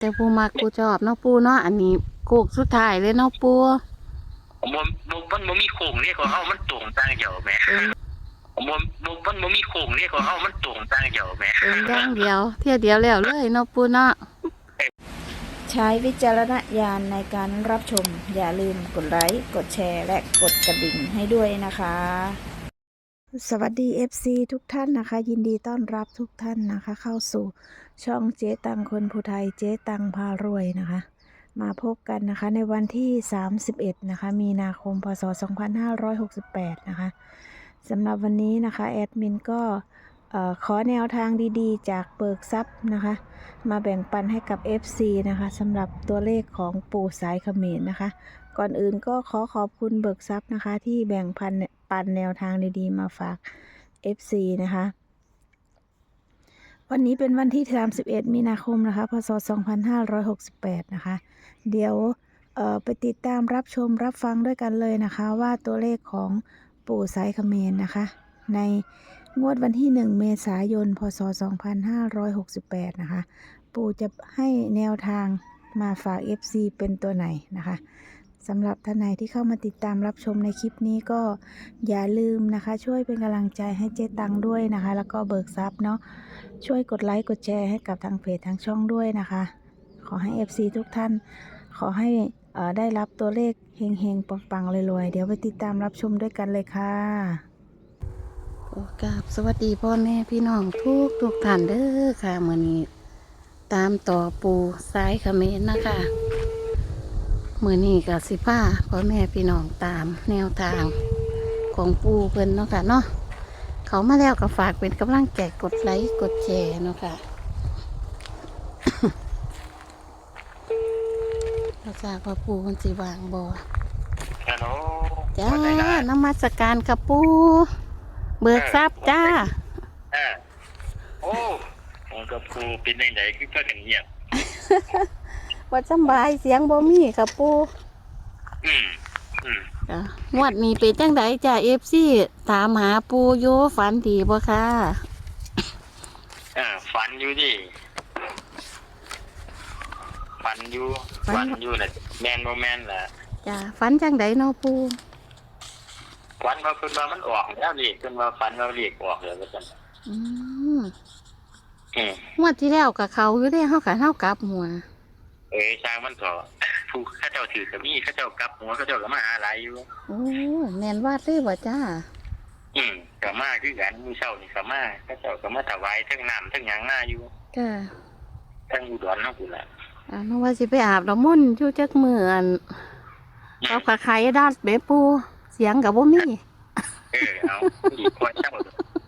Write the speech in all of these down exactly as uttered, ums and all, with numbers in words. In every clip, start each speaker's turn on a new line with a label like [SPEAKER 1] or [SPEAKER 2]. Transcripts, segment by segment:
[SPEAKER 1] แต่ปูมักปูชอบเนาะปูเนาะอันนี้โคกสุดท้ายเลยเนาะปู
[SPEAKER 2] ผมบ่บ่มันบ่มีโค้งเนี่ยของเฮามันตรงต่างเดียวแหมผมบ่บ่มันบ่มีโค้งเนี่ยของเฮามันตรงต่างเดียวแหม
[SPEAKER 1] เป็นอย่างเดียวเที่ยวเดียวแล้วเลยเนาะปูเนาะ
[SPEAKER 3] ใช้วิจารณญาณในการรับชมอย่าลืมกดไลค์กดแชร์และกดกระดิ่งให้ด้วยนะคะสวัสดี เอฟ ซี ทุกท่านนะคะยินดีต้อนรับทุกท่านนะคะเข้าสู่ช่องเจ๊ตังคนผู้ไทยเจ๊ตังพารวยนะคะมาพบกันนะคะในวันที่สามสิบเอ็ดนะคะมีนาคมพศสองพันห้าร้อยหกสิบแปดนะคะสำหรับวันนี้นะคะแอดมินก็ขอแนวทางดีๆจากเบิกทรัพย์นะคะมาแบ่งปันให้กับ เอฟ ซี นะคะสำหรับตัวเลขของปู่สายเขมรนะคะก่อนอื่นก็ขอขอบคุณเบิกทรัพย์นะคะที่แบ่งปันปันแนวทางดีๆมาฝาก เอฟ ซี นะคะวันนี้เป็นวันที่สามสิบเอ็ดมีนาคมนะคะพศสองพันห้าร้อยหกสิบแปดนะคะเดี๋ยวเอ่อไปติดตามรับชมรับฟังด้วยกันเลยนะคะว่าตัวเลขของปู่สายเขมรนะคะในงวดวันที่หนึ่งเมษายนพศสองพันห้าร้อยหกสิบแปดนะคะปู่จะให้แนวทางมาฝาก เอฟ ซี เป็นตัวไหนนะคะสำหรับท่านไหนที่เข้ามาติดตามรับชมในคลิปนี้ก็อย่าลืมนะคะช่วยเป็นกำลังใจให้เจ๊ตังด้วยนะคะแล้วก็เบิกทรัพย์เนาะช่วยกดไลค์กดแชร์ให้กับทางเพจทางช่องด้วยนะคะขอให้ เอฟ ซี ทุกท่านขอให้เอ่อได้รับตัวเลขเฮงๆปังๆรวยๆเดี๋ยวไปติดตามรับชมด้วยกันเลยค่ะ
[SPEAKER 1] โอ้กราบสวัสดีพ่อแม่พี่น้องทุกทุกท่านเด้อค่ะมื้อนี้ตามต่อปูสายเขมรนะคะมื้อนี้ก็สิพาพ่อแม่พี่น้องตามแนวทางของปูเพิ่นเนาะค่ะเนาะเขามาแล้วก็ฝากเป็นกำลังใจกดไลค์กดแชร์เนาะค่ะ เราจากว่าปูคนสิวางบ่
[SPEAKER 2] ฮัลโหล
[SPEAKER 1] จ้านมัสการกับปูเบิกทรัพย์จ้า
[SPEAKER 2] เออโอ้ผมกับปูเป็นจังไดคือพากันเงียบ
[SPEAKER 1] ว่าสำบายเสียงบ่มีกับปู
[SPEAKER 2] อืมอืม
[SPEAKER 1] จ้างวดนี้เป็นจังไดจ้า เอฟ ซี ถามหาปูอยู่ฝันดีบ่ค่ะ
[SPEAKER 2] เออฝันอยู่ดิฝันอยู่ฝันอยู่น่ะแม่นบ่แม่นล่ะ
[SPEAKER 1] จ้าฝันจังไดเนาะปู
[SPEAKER 2] ฝันว่าเพิ่นว่ามันออกแล้วนี่เพิ่นว่าฝันว่าเลขออกแล้วว่าซั่น
[SPEAKER 1] อืม
[SPEAKER 2] อืม
[SPEAKER 1] งวดที่แล้วก็เขาอยู่เด้เฮาก็เฮากลับหัว
[SPEAKER 2] เอ้ยช่างมันก็ผู้เขาเจ้าถือก็มีเขาเจ้ากลับหัวเขาเจ้าก็มาหาหลายอยู่
[SPEAKER 1] โอ้แม่นวาดเลยบ่จ้า
[SPEAKER 2] อืมก็มาคือกันมื้อเช้านี่ก็มาเขาเจ้าก็มาถวายทั้งน้ำทั้งหยังมาอยู่
[SPEAKER 1] จ้า
[SPEAKER 2] ทั้งอุดรเนาะพุ่นล่ะ
[SPEAKER 1] อ่านึกว่าสิไปอาบน้ำมนต์อยู่จักมื้ออันเอาขาไข่ดัดเบ้ปูเสียงก็บ่มี
[SPEAKER 2] เออเอาอีกคนเจ้า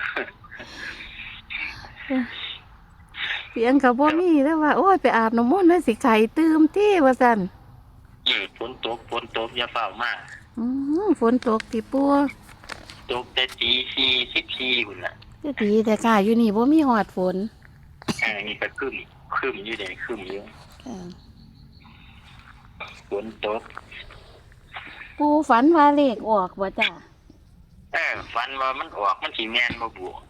[SPEAKER 1] เสียงกับบ่มีแล้วว่าโอ้ยไปอาบน้ำมนต์แล้วสิไข่ตื่มที่ว่าซั่น
[SPEAKER 2] อืมฝนตกฝนตกอย่าเฝ้ามา
[SPEAKER 1] อืมฝนตกติปัว
[SPEAKER 2] ตกแต่ตีสี่สิบสี่พุ่นน่ะ
[SPEAKER 1] จะดีแต่กะอยู่นี่บ่มีฮอดฝน
[SPEAKER 2] อ่านี่ก็คึมคึมอยู่ได้คึมอยู่
[SPEAKER 1] ค่ะ
[SPEAKER 2] ฝนตก
[SPEAKER 1] ปูฝันว่าเลขออกบ่จ้ะ
[SPEAKER 2] เออฝันว่ามันออกมันสิแม่นบ่บวก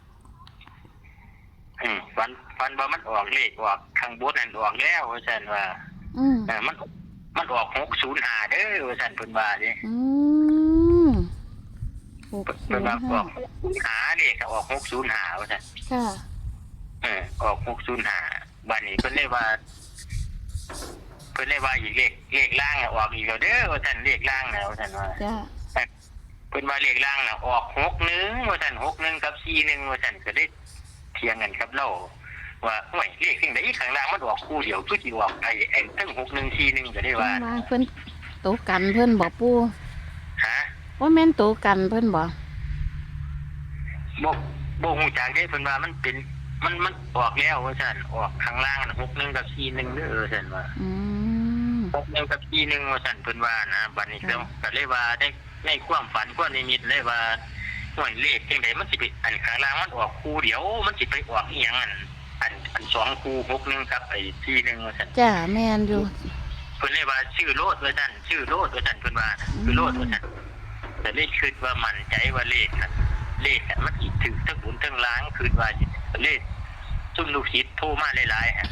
[SPEAKER 2] อืมฝันฝันว่ามันออกเลขออกข้างบนนั่นออกแล้วว่าซั่นว่า
[SPEAKER 1] อืม
[SPEAKER 2] เออมันมันออกหกศูนย์ห้าเด้อว่าซั่นเพิ่นว่าเด้
[SPEAKER 1] อืม
[SPEAKER 2] เพิ่นว่าออกหาเลขก็ออกหกศูนย์ห้าว่าซั่น
[SPEAKER 1] ค่ะ
[SPEAKER 2] เออออกหกศูนย์ห้าบัดนี้เพิ่นเลยว่าเพิ่นเลยว่าอีกเลขเลขล่างออกอีกแล้วเด้อว่าซั่นเลขล่างน่ะว่าซั่นว่า
[SPEAKER 1] จ้ะ
[SPEAKER 2] เพิ่นว่าเลขล่างน่ะออกหกหนึ่งว่าซั่นหกหนึ่งกับสี่หนึ่งว่าซั่นก็ได้เถียงกันครับเราว่าโอ้ยเลขสิ่งใดข้างล่างมันออกคู่เดียวคือสิออกไอ้ไอ้ทั้งหกหนึ่งสี่หนึ่งก็ได้ว่า
[SPEAKER 1] เพิ่นโตกันเพิ่นบ่ปู
[SPEAKER 2] ฮะ
[SPEAKER 1] ว่าแม่นโตกันเพิ่นบ่
[SPEAKER 2] บ่บ่ฮู้จักเด้เพิ่นว่ามันเป็นมันมันออกแล้วว่าซั่นออกข้างล่างน่ะหกหนึ่งกับสี่หนึ่งเด้อว่าซั่นว่า
[SPEAKER 1] อืม
[SPEAKER 2] หกหนึ่งกับสี่หนึ่งว่าซั่นเพิ่นว่านะบัดนี้ก็ก็เลยว่าได้ในความฝันความนิมิตเลยว่าหน่วยเลขจังได๋มันสิไปอันข้างล่างมันออกคู่เดียวมันสิไปออกอีหยังอันอันอันสองคู่หกหนึ่งกับไอ้สี่หนึ่งว่าซั่น
[SPEAKER 1] จ้ะแม่นอยู่
[SPEAKER 2] เพิ่นเลยว่าชื่อโลดว่าซั่นชื่อโลดว่าซั่นเพิ่นว่าคือโลดว่าซั่นแต่เลขคิดว่ามั่นใจว่าเลขน่ะเลขมันสิถึงทั้งบุญทั้งล้างคิดว่าเลขซุ่มลูกศิษย์โทรมาหลายๆฮะ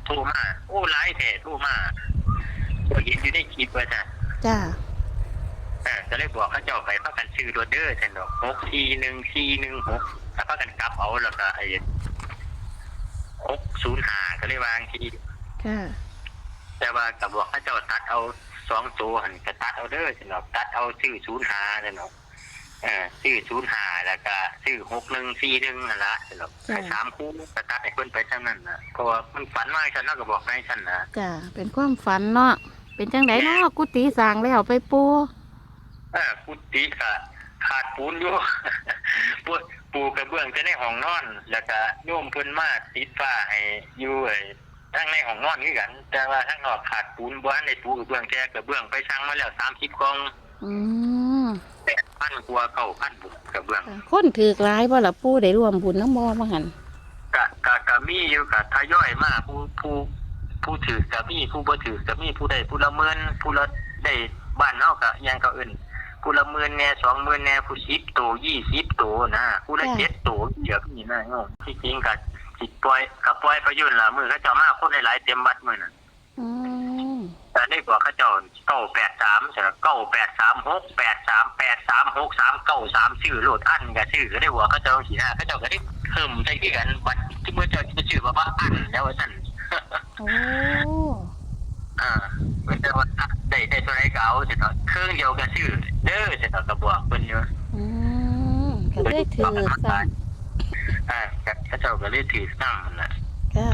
[SPEAKER 2] โทรมาโอ้ไลฟ์แท้โทรมาก็เห็นอยู่ในคลิปว่าจ้ะ
[SPEAKER 1] จ้า
[SPEAKER 2] เออก็เลยบอกเขาเจ้าไปพากันซื้อโรเดอร์ฉันดอกหกสี่หนึ่งสี่หนึ่งหกถ้าพากันกลับเอาแล้วก็ไอ้หกศูนย์ห้าก็เลยวางที
[SPEAKER 1] ค่ะ
[SPEAKER 2] แต่ว่ากับบอกเขาเจ้าตัดเอาสองตัวหันก็ตัดเอาเด้อฉันดอกตัดเอาซื้อศูนย์ห้าฉันดอกเออซื้อศูนย์ห้าแล้วก็ซื้อหกหนึ่งสี่หนึ่งนั่นละฉันดอกแค่สามคู่ก็ตัดให้เพิ่นไปเท่านั้นนะเพราะว่ามันฝันว่าฉันน่าก็บอกให้ฉันนะ
[SPEAKER 1] จ้าเป็นความฝันเนาะเป็นจังไดเนาะกุฏิสร้างแล้วไปปู
[SPEAKER 2] เออกุฏิก็ขาดปูนอยู่ ปูปูกระเบื้องจะในห้องนอน แล้วก็โยมเพิ่นมาติดฟ้าให้อยู่ไอ้ทั้งในห้องนอนคือกัน แต่ว่าทั้งนอกขาดปูนบ่ทันได้ปูกระเบื้องแท้กระเบื้องไปสั่งมาแล้วสามสิบกล่อง
[SPEAKER 1] อืม
[SPEAKER 2] แปดพันกว่าเก้าพันบุญกระเบื้อง
[SPEAKER 1] คนถือกหลายบ่ล่ะปูได้ร่วมบุญน้ำบ่มาหัน
[SPEAKER 2] กะกะกะมีอยู่กะทยอยมาผู้ผู้ผู้ถือกะมีผู้บ่ถือกะมีผู้ใดผู้ละหมื่นผู้ละได้บ้านเฮากะยังก็อื่นผู้ละหมื่นแน่สองหมื่นแน่ผู้สิบโตยี่สิบโตนะผู้ละเจ็ดโตเดี๋ยวนี่นะโยมที่จริงกะสิปล่อยกะปล่อยประยุนล่ะมื้อเขาเจ้ามาคนหลายๆเต็มวัดมื้อน่ะ
[SPEAKER 1] อืม
[SPEAKER 2] แต่ได้บอกเขาเจ้าเก้าแปดสามใช่มั้ยเก้าแปดสามหกแปดสามแปดสามหกสามเก้าสามชื่อโลดอันก็ชื่อก็ได้บอกเขาเจ้าสินะเขาเจ้าก็ได้เพิ่มใส่คือกันบัดที่มื้อเจ้าจะชื่อว่าว่าอันแล้วว่าซั่น
[SPEAKER 1] โอ้
[SPEAKER 2] อ่าเพิ่นจะว่าได้ได้ตัวไหนก็เอาสิเนาะเครื่องเดียวก็ชื่อเด้อสิเนาะก็บอกเพิ่นอยู่
[SPEAKER 1] อืมก็เลยถือซ้ำ
[SPEAKER 2] อ่าเขาเจ้าก็เลยถือซ้ำนั่นน่ะ
[SPEAKER 1] ค่ะ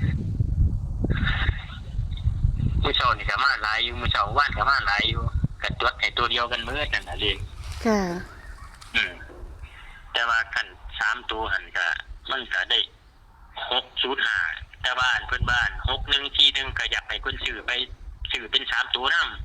[SPEAKER 2] มื้อเช้านี่ก็มาหลายอยู่มื้อเช้าว่านก็มาหลายอยู่ก็จดให้ตัวเดียวกันมื้อนั่นน่ะเลข
[SPEAKER 1] ค่ะ
[SPEAKER 2] อืมแต่ว่ากันสามตัวหันก็มันก็ได้หกศูนย์ห้าแต่บ้านเพื่อนบ้านหกหนึ่งทีหนึ่งก็อยากให้คนซื้อไปซื้อเป็นสามตัวนำ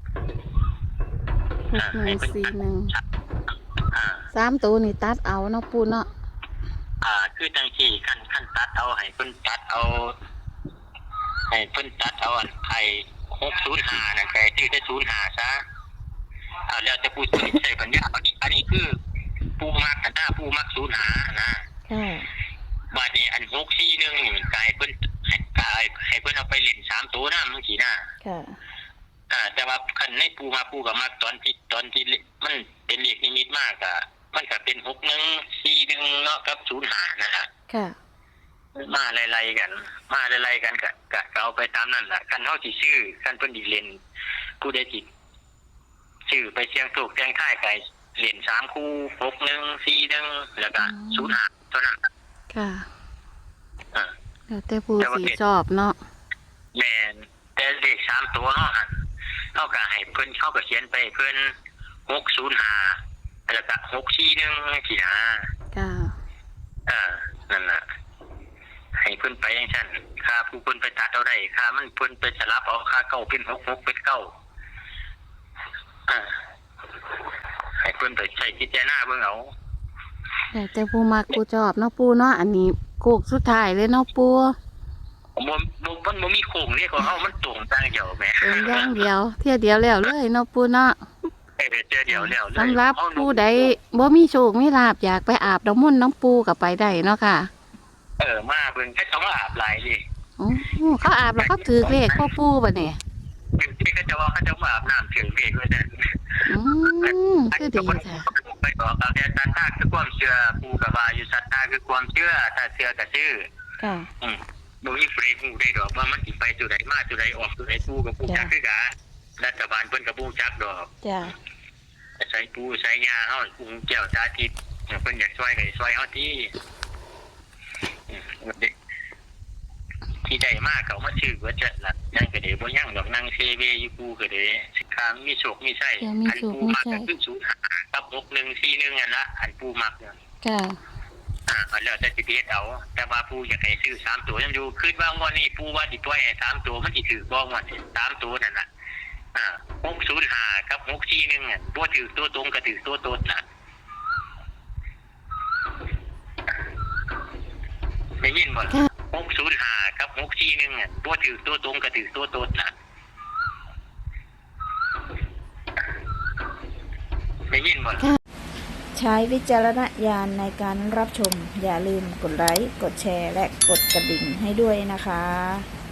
[SPEAKER 1] หกหนึ่งสี่หนึ่ง
[SPEAKER 2] อ่า
[SPEAKER 1] สามตัวนี่ตัดเอาเนาะปูเนาะ
[SPEAKER 2] อ่าคือจังที่ขั้นขั้นตัดเอาให้เพิ่นตัดเอาให้เพิ่นตัดเอาอันไอ้หกศูนย์ห้านั่นก็ซื้อได้ศูนย์ห้าซะเอาแล้วแต่ผู้ซื้อใช้ปัญญาอันนี้อันนี้คือผู้มักกันหน้าผู้มักศูนย์ห้านะ
[SPEAKER 1] ค่ะ
[SPEAKER 2] บาดนี้อันหกสี่หนึ่งนี่มันกลายเพิ่นให้กลายให้เพิ่นเอาไปเล่นสามตัวน้ำจังซี่นะ
[SPEAKER 1] ค่ะ
[SPEAKER 2] อ่าแต่ว่าคันในปูมาปูกับมาตอนที่ตอนที่มันเป็นเลขนิมิตมากอ่ะมันก็เป็นหกหนึ่งสี่หนึ่งเนาะกับศูนย์ห้านะฮะ
[SPEAKER 1] ค่ะ
[SPEAKER 2] มาไล่ๆกัน มาไล่ๆกันก็ก็ก็เอาไปตามนั่นแหละคันเฮาสิซื้อคันเพิ่นสิเล่นผู้ใดสิซื้อไปเสี่ยงโชคเสี่ยงทายก็เล่นสามคู่หกหนึ่งสี่หนึ่งแล้วก็ศูนย์ห้าเท่านั้น
[SPEAKER 1] ค่ะ
[SPEAKER 2] อ่า
[SPEAKER 1] แล้วแต่ปูสีชอบเนาะ
[SPEAKER 2] แม่นแต่เลขสามตัวเนาะหั่นเฮาก็ให้เพิ่นเขาก็เขียนไปเพิ่นหกศูนย์ห้าแล้วก็หกสี่หนึ่งสินะ
[SPEAKER 1] ค่ะ
[SPEAKER 2] เออนั่นน่ะให้เพิ่นไปจังซั่นค่าผู้เพิ่นไปตัดเอาได้ค่ามันเพิ่นไปสลับเอาค่าเก้าเป็นหก หกเป็นเก้าอ่าให้เพิ่นไปใช้พิจารณาเบิ่งเอา
[SPEAKER 1] แล้วแต่ปูมักปูชอบเนาะปูเนาะอันนี้โคกสุดท้ายเลยเนาะปู
[SPEAKER 2] บ่บ่มันบ่มีโครงนี่ของเฮามันตรงต่างเดียวแหม
[SPEAKER 1] เป็นอย่างเดียวเที่ยวเดียวแล้วเลยเนาะปูเนาะ
[SPEAKER 2] เออเจอเดียวแล้วเลย
[SPEAKER 1] สำหรับผู้ใดบ่มีโชคมีลาภอยากไปอาบน้ำมนต์น้ำปูก็ไปได้เนาะค่ะ
[SPEAKER 2] เออมาเบิ่งแค่ต้องมาอาบหลายดิ
[SPEAKER 1] โอ้เขาอาบแล้วเขาถือเลขพ่อปูบ่เนี่ย
[SPEAKER 2] ถึงที่เขาจะว่าเขาจะมาอาบน้ำถึงเพียงด้วยนั่น
[SPEAKER 1] อืมคือดีค่ะ
[SPEAKER 2] ไปต่อกับแต่ศรัทธาคือความเชื่อปูกับว่าอยู่ศรัทธาคือความเชื่อถ้าเชื่อก็ชื่อ
[SPEAKER 1] ค่ะ
[SPEAKER 2] อืมบ่มีเฟรฮู้ได้ดอกว่ามันสิไปจุดใดมาจุดใดออกจุดใดปูกับปูจักคือกันรัฐบาลเพิ่นกับปูจักดอก
[SPEAKER 1] จ้ะ
[SPEAKER 2] ใช้ปูใช้ยาเฮาปูแก้วสาธิตเพิ่นอยากช่วยก็ช่วยเฮาที่อืมเด็กที่ได้มากเขามาชื่อว่าจะละยังก็ได้บ่ยังดอกนั่งเซเวอยู่ปูก็ได้สิคามมีโชคมีไส้อันปูมักก็คือศูนย์ห้ากับหกหนึ่งสี่หนึ่งอันละอันปูมักเนี่ย
[SPEAKER 1] ค่ะ
[SPEAKER 2] อ่าแล้วแต่สิเฮ็ดเอาแต่ว่าปูอยากให้ซื้อสามตัวยังอยู่คิดว่างวดนี้ปูว่าสิปล่อยให้สามตัวมันสิถือบ่งวดนี้สามตัวนั่นน่ะอ่าหกศูนย์ห้ากับหกสี่หนึ่งอ่ะบ่ถือตัวตรงก็ถือตัวตนน่ะได้ยินบ่หกศูนย์ห้ากับหกสี่หนึ่งอ่ะบ่ถือตัวตรงก็ถือตัวตนน่ะได้ยินบ่
[SPEAKER 3] ใช้วิจารณญาณในการรับชม อย่าลืมกดไลค์ กดแชร์ และกดกระดิ่งให้ด้วยนะคะ